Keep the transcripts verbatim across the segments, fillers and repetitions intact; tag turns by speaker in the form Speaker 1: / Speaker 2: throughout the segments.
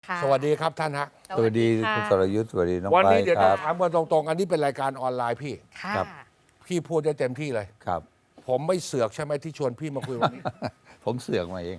Speaker 1: สวัสดีครับท่านฮะ
Speaker 2: สวัสดีคุณสรยุทธ์สวัสดีน้อง
Speaker 1: วัน
Speaker 2: ไป
Speaker 1: นี้เดี๋ยว
Speaker 2: ค
Speaker 1: จะ
Speaker 2: รับ
Speaker 1: ถามกันตรงๆ อันนี้เป็นรายการออนไลน์พี่
Speaker 3: ค่ะ
Speaker 2: ครับ
Speaker 1: พี่พูดได้เต็มที่เลย
Speaker 2: ครับ
Speaker 1: ผมไม่เสือกใช่ไหมที่ชวนพี่มาคุยวันนี้
Speaker 2: ผมเสือกมาเอง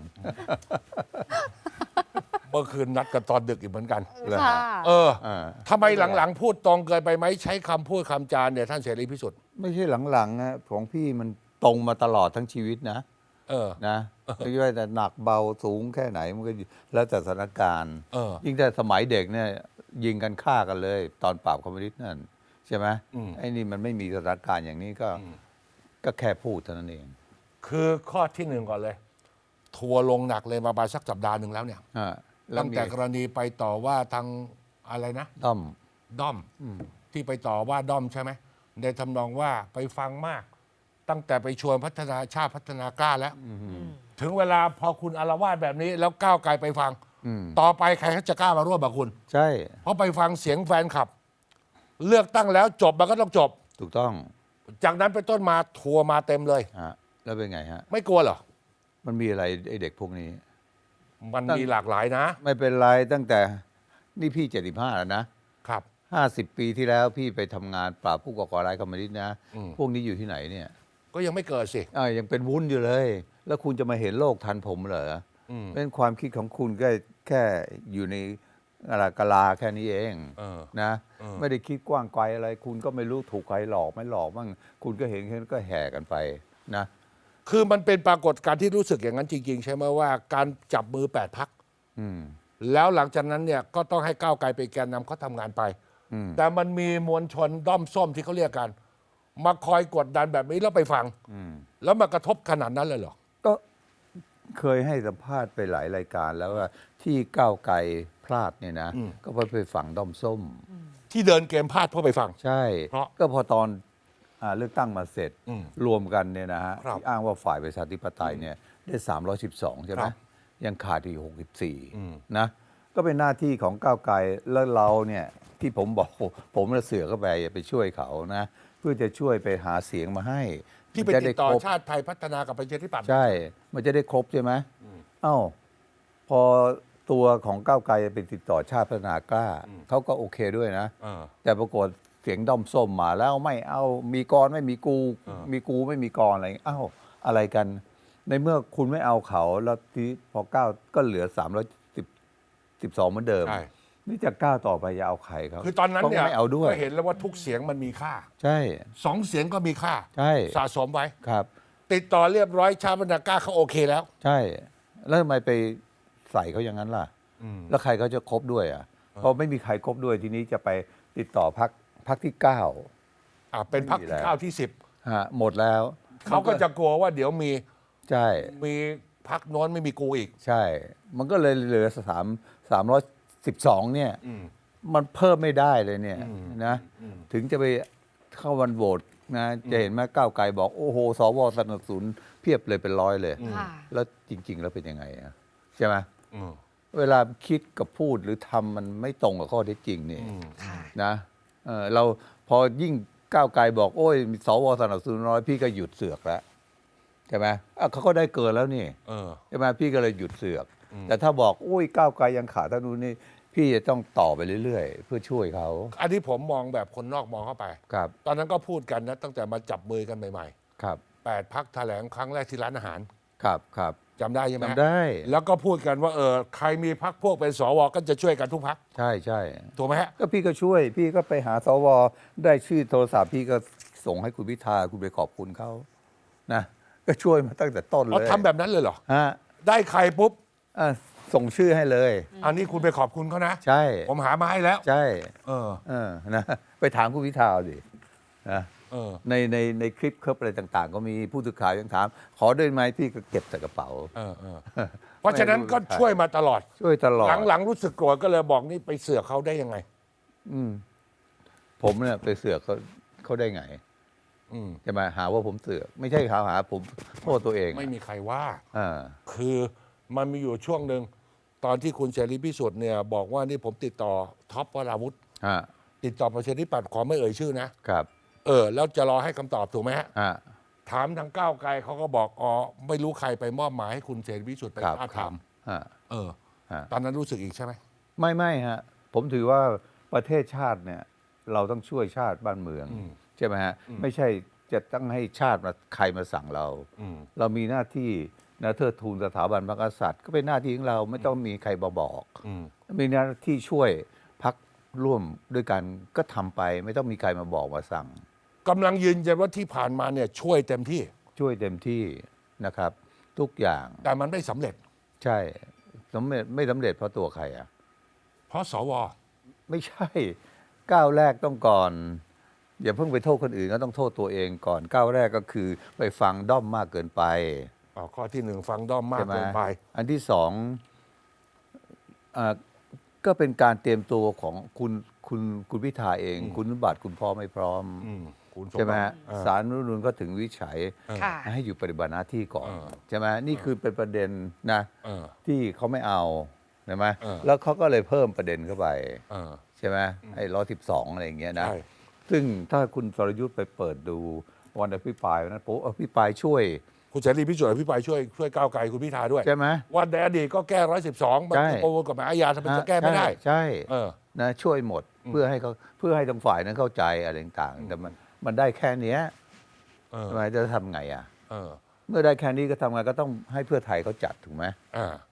Speaker 1: เมื่อคืนนัดกันตอนดึกอีกเหมือนกัน
Speaker 3: ค่ะ
Speaker 1: เออ
Speaker 2: อ่า
Speaker 1: ทำไมหลังๆ พูดตรงเกินไปไหมใช้คำพูดคำจานเนี่ยท่านเสรีพิสุทธิ์
Speaker 2: ไม่ใช่หลังๆนะของพี่มันตรงมาตลอดทั้งชีวิตนะ
Speaker 1: เออ
Speaker 2: นะไม่ว่าแต่หนักเบาสูงแค่ไหนมันก็แล้วแต่สถานการณ์
Speaker 1: เออ
Speaker 2: ยิ่งแต่สมัยเด็กเนี่ยยิงกันฆ่ากันเลย ตอนปราบคอมมิวนิสต์นั่นใช่ไหม
Speaker 1: อืม
Speaker 2: ไอ้นี่มันไม่มีสถานการณ์อย่างนี้ก็ก็แค่พูดเท่านั้นเอง
Speaker 1: คือข้อที่หนึ่งก่อนเลย ทัวร์ลงหนักเลยมาประมาณสักสัปดาห์หนึ่งแล้วเนี่ย
Speaker 2: อ่าแล้ว
Speaker 1: ตั้ง
Speaker 2: มี
Speaker 1: แต่กรณีไปต่อว่าทางอะไรนะ
Speaker 2: ต้อม
Speaker 1: ด้อมที่ไปต่อว่าด้อมใช่ไหมในทำนองว่าไปฟังมาก ตั้งแต่ไปชวนพัฒนาชาติพัฒนากล้าแล้ว ถึงเวลาพอคุณอารวาสแบบนี้ แล้วก้าวไกลไปฟัง
Speaker 2: อืม
Speaker 1: ต่อไปใครเขาจะกล้ามาร่วมกับคุณ
Speaker 2: ใช่
Speaker 1: เพราะไปฟังเสียงแฟนคลับ เลือกตั้งแล้วจบมันก็ต้องจบ
Speaker 2: ถูกต้อง
Speaker 1: จากนั้นเป็นต้นมาทัวร์มาเต็มเลย
Speaker 2: ฮะแล้วเป็นไงฮะ
Speaker 1: ไม่กลัวเหรอ
Speaker 2: มันมีอะไรไอ้เด็กพวกนี้
Speaker 1: มันมีหลากหลายนะ
Speaker 2: ไม่เป็นไรตั้งแต่นี่พี่เจ็ดสิบห้าแล้วนะครับ ห้าสิบปีที่แล้วพี่ไปทำงานปราบผู้ก่อการร้ายคอมมิวนิสต์นะ
Speaker 1: อืม
Speaker 2: พวกนี้อยู่ที่ไหนเนี่ย
Speaker 1: ก็ยังไม่เกิดสิ
Speaker 2: อ่ายังเป็นวุ้นอยู่เลย แล้วคุณจะมาเห็นโลกทันผมเหรอ
Speaker 1: อืม
Speaker 2: เป็นความคิดของคุณก็แค่อยู่ในอะไรกะลาแค่นี้เอง
Speaker 1: เออ
Speaker 2: นะ
Speaker 1: เออ
Speaker 2: ไม่ได้คิดกว้างไกลอะไร คุณก็ไม่รู้ถูกใครหลอกไม่หลอกบ้างคุณก็เห็นแค่นั้นก็แห่กันไปนะ
Speaker 1: คือมันเป็นปรากฏการณ์ที่รู้สึกอย่างนั้นจริง ๆ ใช่ไหมว่าการจับมือแปดพัก
Speaker 2: อืม
Speaker 1: แล้วหลังจากนั้นเนี่ยก็ต้องให้ก้าวไกลไปนแกนนำเขาทำงานไป
Speaker 2: อืม
Speaker 1: แต่มันมีมวลชนด้อมส้มที่เขาเรียกกัน มาคอยกดดันแบบนี้แล้วไปฟัง
Speaker 2: อืม
Speaker 1: แล้วมากระทบขนาดนั้นเลยเหรอ
Speaker 2: ก็เคยให้สัมภาษณ์ไปหลายรายการแล้วว่าที่ก้าวไกลพลาดเนี่ยนะ
Speaker 1: อืม
Speaker 2: ก็เพราะไปฝั่งด้อมส้ม
Speaker 1: ที่เดินเกมพลาดเพราะไปฟัง
Speaker 2: ใช่
Speaker 1: เพราะ
Speaker 2: ก็พอตอนอ่าเลือกตั้งมาเสร็จ
Speaker 1: อืม
Speaker 2: รวมกันเนี่ยนะฮะ
Speaker 1: ครับ
Speaker 2: ที่อ้างว่าฝ่ายประชาธิปไตยเนี่ยได้สามร้อยสิบสองใช่ไหม
Speaker 1: ครับ
Speaker 2: ยังขาดอีกหกสิบสี่
Speaker 1: อืม
Speaker 2: นะก็เป็นหน้าที่ของก้าวไกลแล้วเราเนี่ยที่ผมบอกผมจะเสือกเข้าไปไปช่วยเขานะเพื่อจะช่วยไปหาเสียงมาให้
Speaker 1: ที่ไป
Speaker 2: มันจะ
Speaker 1: ติดต่อ
Speaker 2: ครบ
Speaker 1: ชาติไทยพัฒนากับประชาธิปัตย์
Speaker 2: ใช่ มันจะได้ครบใช่ไหมเอ้า พอตัวของก้าวไกลไปติดต่อชาติพัฒนากล้า เขาก็โอเคด้วยนะ
Speaker 1: เออ
Speaker 2: แต่ปรากฏเสียงด้อมส้มมาแล้วไม่เอามีกรไม่มีกู
Speaker 1: เออ
Speaker 2: มีกูไม่มีกรอะไรเอ้าอะไรกัน ในเมื่อคุณไม่เอาเขาแล้วที่พอก้าวก็เหลือสามร้อยสิบสิบสองเหมือนเดิม
Speaker 1: ใช่
Speaker 2: นี่จะก้าวต่อไปจะเอาใครเขา
Speaker 1: คือตอนนั้นเนี่ย
Speaker 2: ขาก็ไม่เอาด้วย
Speaker 1: ก็เห็นแล้วว่าทุกเสียงมันมีค่า
Speaker 2: ใช่
Speaker 1: สองเสียงก็มีค่า
Speaker 2: ใช่
Speaker 1: สะสมไว้
Speaker 2: ครับ
Speaker 1: ติดต่อเรียบร้อยชาติพัฒนากล้าเขาโอเคแล้ว
Speaker 2: ใช่ แล้วทำไมไปใส่เขาอย่างนั้นล่ะ
Speaker 1: อืม
Speaker 2: แล้วใครเขาจะคบด้วยอ่ะพอไม่มีใครคบด้วยทีนี้จะไปติดต่อพักพักที่เก้า
Speaker 1: อ่าเป็นพัก
Speaker 2: ไม่มีแล้ว
Speaker 1: ข้าวที่สิบ
Speaker 2: ฮะหมดแล้ว
Speaker 1: เขาก็จะกลัวว่าเดี๋ยวมี
Speaker 2: ใช่
Speaker 1: มีพักโน้นไม่มีกูอีก
Speaker 2: ใช่ มันก็เลยเหลือสามสามร้อยสิบสองเนี่ย
Speaker 1: อืม
Speaker 2: มันเพิ่มไม่ได้เลยเนี่ย
Speaker 1: อืม
Speaker 2: นะ
Speaker 1: อืม
Speaker 2: ถึงจะไปเข้าวันโหวตนะจะเห็นไหมก้าวไกลบอก โอ้โหสวสนับสนุนเพียบเลยเป็นร้อยเลย
Speaker 3: ค่ะ
Speaker 2: แล้วจริง ๆ แล้วเป็นยังไงอะใช่ไหม
Speaker 1: อืม
Speaker 2: เวลาคิดกับพูดหรือทำมันไม่ตรงกับข้อเท็จจริงนี่
Speaker 1: อืม
Speaker 3: ค่ะ
Speaker 2: นะเออเราพอยิ่งก้าวไกลบอก โอ้ยสวสนับสนุนน้อยพี่ก็หยุดเสือกแล้วใช่ไหมอ่ะเขาก็ได้เกินแล้วนี่
Speaker 1: เออ
Speaker 2: ใช่ไหมพี่ก็เลยหยุดเสือก แต่ถ้าบอกอุ้ยก้าวไกลยังขาดเท่านู้นนี่พี่จะต้องต่อไปเรื่อยๆ เพื่อช่วยเขา
Speaker 1: อันนี้ผมมองแบบคนนอกมองเข้าไป
Speaker 2: ครับ
Speaker 1: ตอนนั้นก็พูดกันนะตั้งแต่มาจับมือกันใหม่
Speaker 2: ครับ
Speaker 1: ๆแปดพักแถลงครั้งแรกที่ร้านอาหาร
Speaker 2: ครับครับ
Speaker 1: จำได้ใช่ไหม
Speaker 2: จำได้
Speaker 1: แล้วก็พูดกันว่าเออใครมีพักพวกเป็นสวก็จะช่วยกันทุกพัก
Speaker 2: ใช่ใช่
Speaker 1: ถูกไหมฮะ
Speaker 2: ก็พี่ก็ช่วย พี่ก็ไปหาสวได้ชื่อโทรศัพท์พี่ก็ส่งให้คุณพิธาคุณไปขอบคุณเขานะก็ช่วยมาตั้งแต่ต้นเล
Speaker 1: เอา
Speaker 2: ย
Speaker 1: ทำแบบนั้นเลยเหรอ
Speaker 2: ฮะ
Speaker 1: ได้ใครปุ๊บ
Speaker 2: อ่ะส่งชื่อให้เลย
Speaker 1: อันนี้คุณไปขอบคุณเขานะ
Speaker 2: ใช่
Speaker 1: ผมหามาให้แล้ว
Speaker 2: ใช่
Speaker 1: เออ
Speaker 2: เออนะไปถามคุณพิธาดินะ
Speaker 1: เออ
Speaker 2: ในในในคลิปคลิปอะไรต่าง ๆ ก็มีผู้สื่อข่าวยังถาม ขอด้วยไหมพี่ก็เก็บใส่กระเป๋า
Speaker 1: เออเออเพราะฉะนั้นก็ช่วยมาตลอด
Speaker 2: ช่วยตลอด
Speaker 1: หลังๆรู้สึกโกรธก็เลยบอกนี่ไปเสือกเขาได้ยังไง
Speaker 2: อืมผมเนี่ยไปเสือกเขาเขาได้ไง
Speaker 1: อืม
Speaker 2: จะมาหาว่าผมเสือกไม่ใช่เขาหาผมโทษตัวเอง
Speaker 1: ไม่มีใครว่า
Speaker 2: อ่า
Speaker 1: คือมันมีอยู่ช่วงหนึ่งตอนที่คุณเสรีพิสุทธิ์เนี่ยบอกว่านี่ผมติดต่อท็อปวราวุธ
Speaker 2: ฮะ
Speaker 1: ติดต่อประชาธิปัตย์ขอไม่เอ่ยชื่อนะ
Speaker 2: ครับ
Speaker 1: เออ แล้วจะรอให้คำตอบถูกไหมฮะ
Speaker 2: อ่า
Speaker 1: ถามทางก้าวไกลเขาก็บอกอ๋อไม่รู้ใครไปมอบหมายให้คุณเสรีพิสุทธิ์ไป
Speaker 2: ครับ
Speaker 1: ท้าบ
Speaker 2: ครั
Speaker 1: ทา
Speaker 2: บ
Speaker 1: ม
Speaker 2: ฮะ
Speaker 1: เออ
Speaker 2: ฮะ
Speaker 1: ตอนนั้นรู้สึกอีกใช่ไหม
Speaker 2: ไม่ไม่ฮะผมถือว่าประเทศชาติเนี่ยเราต้องช่วยชาติบ้านเมือง
Speaker 1: อืม
Speaker 2: ใช่ไหมฮะไม่ใช่จะต้องให้ชาติมาใครมาสั่งเรา
Speaker 1: อืม
Speaker 2: เรามีหน้าที่นะเทิดทูนสถาบันพระกษัตริย์ก็เป็นหน้าที่ของเราไม่ต้องมีใครมาบอก
Speaker 1: อืม
Speaker 2: มีหน้าที่ช่วยพักร่วมด้วยกันก็ทำไป ไม่ต้องมีใครมาบอกมาสั่ง
Speaker 1: กำลังยืนยันว่าที่ผ่านมาเนี่ยช่วยเต็มที่
Speaker 2: ช่วยเต็มที่นะครับ ทุกอย่าง
Speaker 1: แต่มันไม่สำเร็จ
Speaker 2: ใช่สำเร็จไม่สำเร็จเพราะตัวใครอ่ะ
Speaker 1: เพราะสว
Speaker 2: ไม่ใช่ก้าวแรกต้องก่อน อย่าเพิ่งไปโทษคนอื่นก็ต้องโทษตัวเองก่อนก้าวแรกก็คือไปฟังด้อมมากเกินไป
Speaker 1: อ๋อข้อที่หนึ่งฟังด้อมมาก
Speaker 2: ใช่ไหม
Speaker 1: เกินไป
Speaker 2: อันที่สองอ่าก็เป็นการเตรียมตัวของคุณคุณคุณพิธาเอง คุณสมบัติคุณพร้อมไม่พร้อม
Speaker 1: อืมคุณสม
Speaker 2: ใช่ไหม
Speaker 1: บั
Speaker 2: ฮะ
Speaker 1: ติเออ
Speaker 2: สารรัฐธรรมนูญก็ถึงวิจัย
Speaker 3: ค่ะ
Speaker 2: ให้อยู่ปฏิบัติหน้าที่ก่อน
Speaker 1: เออ
Speaker 2: ใช่ไหมนี่คือเป็นประเด็นนะ
Speaker 1: เออ
Speaker 2: ที่เขาไม่เอาใช่ไหม
Speaker 1: เออ
Speaker 2: แล้วเขาก็เลยเพิ่มประเด็นเข้าไป
Speaker 1: เออ
Speaker 2: ใช่ไหมไอ้ร้อยสิบสองอะไรอย่างเงี้ยนะ
Speaker 1: ใช่
Speaker 2: ซึ่งถ้าคุณสรยุทธ์ไปเปิดดูวันอภิปรายนั้นผมอภิปรายช่วย
Speaker 1: คุณเสรีพิสุทธิ์อภิปรายช่วยช่วยก้าวไกลคุณพิธาด้วย
Speaker 2: ใช่ไหม
Speaker 1: วันในอดีตก็แก้ร้อยสิบสองมัน
Speaker 2: ใช่
Speaker 1: โกงกฎหมายอาญาทำไมจะแก้ไม่ได้
Speaker 2: ใช่
Speaker 1: เออ
Speaker 2: นะช่วยหมดเพื่อให้เขาเพื่อให้ทางฝ่ายนั้นเข้าใจอะไรต่างๆแต่มันมันได้แค่เนี้ย
Speaker 1: เออ
Speaker 2: ทำไมจะทำไงอ่ะ
Speaker 1: เออ
Speaker 2: เมื่อได้แค่นี้ก็ทำไงก็ต้องให้เพื่อไทยเขาจัดถูกไหม
Speaker 1: อ่า